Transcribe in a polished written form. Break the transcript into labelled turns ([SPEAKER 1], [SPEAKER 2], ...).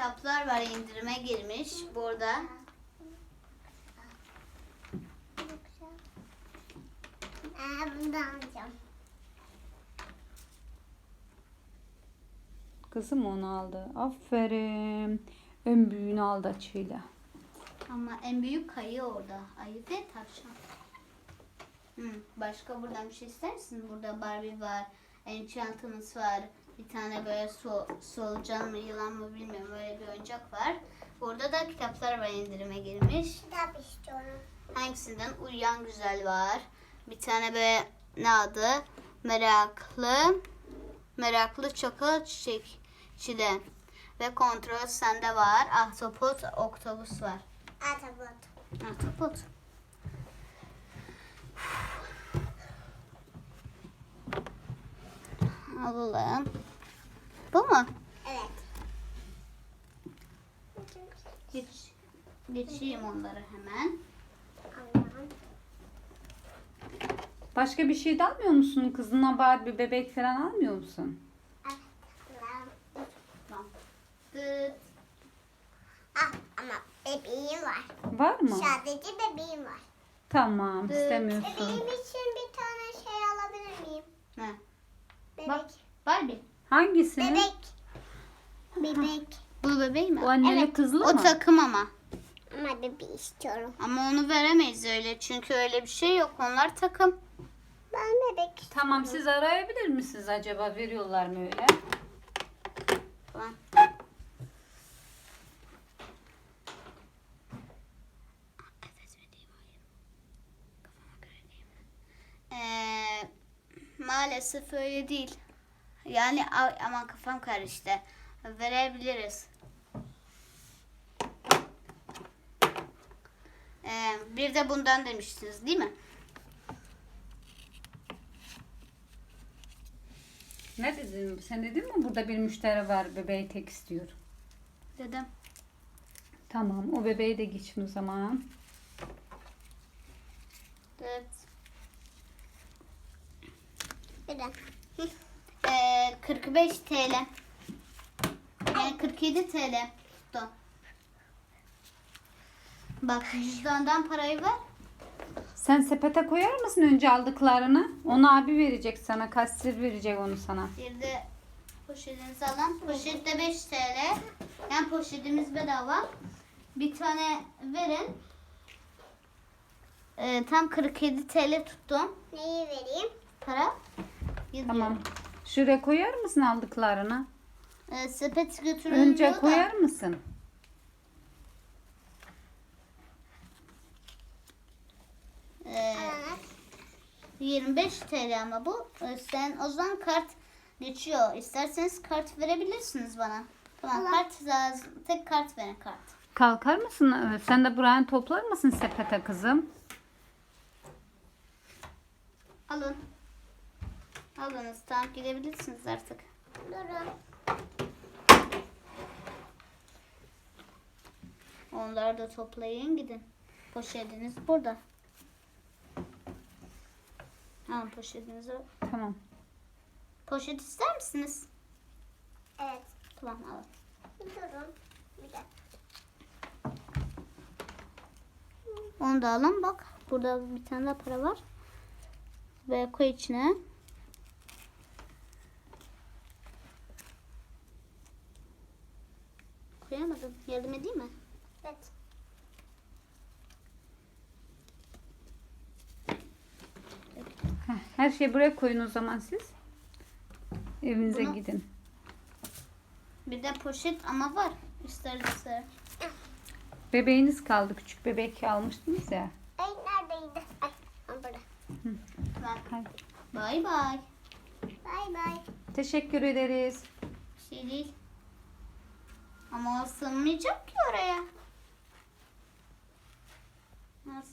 [SPEAKER 1] kitaplar var, indirime girmiş burada.
[SPEAKER 2] Bundan alacağım.
[SPEAKER 3] Kızım onu aldı. Aferin. En büyüğünü aldı açıyla.
[SPEAKER 1] Ama en büyük ayı orada. Ayı ve tavşan. Başka buradan bir şey ister misin? Burada Barbie var. Enchantımız var. Bir tane böyle solucan mı yılan mı bilmiyorum. Böyle bir oyuncak var. Burada da kitaplar var, indirime girmiş.
[SPEAKER 2] Kitap istiyorum.
[SPEAKER 1] Hangisinden? Uyuyan Güzel var. Bir tane böyle ne adı? Meraklı Çakal Çiçekçide. Ve Kontrol Sende var. Ahtapot Oktopus var.
[SPEAKER 2] Atabot.
[SPEAKER 1] Ahtapot. Alalım. Bu mu?
[SPEAKER 2] Evet.
[SPEAKER 1] Geçeyim onları hemen.
[SPEAKER 2] Allah'ım.
[SPEAKER 3] Başka bir şey de almıyor musun? Kızına Barbie bebek falan almıyor musun?
[SPEAKER 2] Allah'ım.
[SPEAKER 1] Tamam. Dıt.
[SPEAKER 2] Ama bebeğim var.
[SPEAKER 3] Var mı?
[SPEAKER 2] Sadece bebeğim var.
[SPEAKER 3] Tamam,
[SPEAKER 1] Evet.
[SPEAKER 3] istemiyorsun.
[SPEAKER 2] Bebeğim için bir tane şey alabilir miyim?
[SPEAKER 1] Ne?
[SPEAKER 2] Bebek.
[SPEAKER 1] Bak. Barbie.
[SPEAKER 3] Hangisini?
[SPEAKER 2] Bebek. Bebek.
[SPEAKER 1] Bu bebeği mi?
[SPEAKER 3] O anneli
[SPEAKER 2] Evet,
[SPEAKER 3] kızlı
[SPEAKER 1] O
[SPEAKER 3] mı?
[SPEAKER 1] takım ama.
[SPEAKER 2] Ama bebeği istiyorum.
[SPEAKER 1] Ama onu veremeyiz öyle. Çünkü öyle bir şey yok. Onlar takım.
[SPEAKER 2] Ben bebek istiyorum.
[SPEAKER 3] Tamam, siz arayabilir misiniz acaba? Veriyorlar mı öyle?
[SPEAKER 1] Falan. Maalesef öyle değil. Yani aman kafam karıştı. Verebiliriz. Bir de bundan demiştiniz değil mi?
[SPEAKER 3] Ne dedin? Sen dedin mi burada bir müşteri var, bebeği tek istiyor.
[SPEAKER 1] Dedim.
[SPEAKER 3] Tamam, o bebeği de geçin o zaman.
[SPEAKER 1] Evet.
[SPEAKER 2] Bir de.
[SPEAKER 1] 45 TL. Yani 47 TL tuttu. Bak cüzdandan parayı ver.
[SPEAKER 3] Sen sepete koyar mısın önce aldıklarını? Onu abi verecek sana, kasir verecek onu sana.
[SPEAKER 1] Bir de poşetinizi alın. Poşette 5 TL. Yani poşetimiz bedava. Bir tane verin. Tam 47 TL tuttum.
[SPEAKER 2] Neyi vereyim?
[SPEAKER 1] Para.
[SPEAKER 3] Tamam. Şuraya koyar mısın aldıklarını?
[SPEAKER 1] Sepet götürülüyor
[SPEAKER 3] Önce
[SPEAKER 1] da.
[SPEAKER 3] koyar mısın?
[SPEAKER 2] Ananas.
[SPEAKER 1] 25 TL ama bu. Sen o zaman kart geçiyor. İsterseniz kart verebilirsiniz bana. Tamam,
[SPEAKER 2] Allah.
[SPEAKER 1] kart lazım. Tek kart verin, kart.
[SPEAKER 3] Kalkar mısın? Evet, sen de buraya toplar mısın sepete kızım?
[SPEAKER 1] Alın. Alınız. Tamam, gidebilirsiniz artık.
[SPEAKER 2] Durun.
[SPEAKER 1] Onları da toplayın, gidin. Poşetiniz burada. Alın poşetinizi.
[SPEAKER 3] Tamam.
[SPEAKER 1] Poşet ister misiniz?
[SPEAKER 2] Evet.
[SPEAKER 1] Tamam, alın.
[SPEAKER 2] Durun. Bir dakika.
[SPEAKER 1] Onu da alın. Bak burada bir tane daha para var. Ve koy içine. Koyamadım. Yardım edeyim mi?
[SPEAKER 2] Evet.
[SPEAKER 3] Heh, her şeyi buraya koyun o zaman siz. Evinize
[SPEAKER 1] Bunu-
[SPEAKER 3] gidin.
[SPEAKER 1] Bir de poşet ama var. İsterse.
[SPEAKER 3] Bebeğiniz kaldı. Küçük bebek almıştınız ya.
[SPEAKER 2] Ay neredeydi? Ay burada.
[SPEAKER 1] Tamam.
[SPEAKER 3] Hadi.
[SPEAKER 1] Bay bay.
[SPEAKER 2] Bay bay.
[SPEAKER 3] Teşekkür ederiz.
[SPEAKER 1] Bir şey değil. Ama o sığmayacak ki oraya.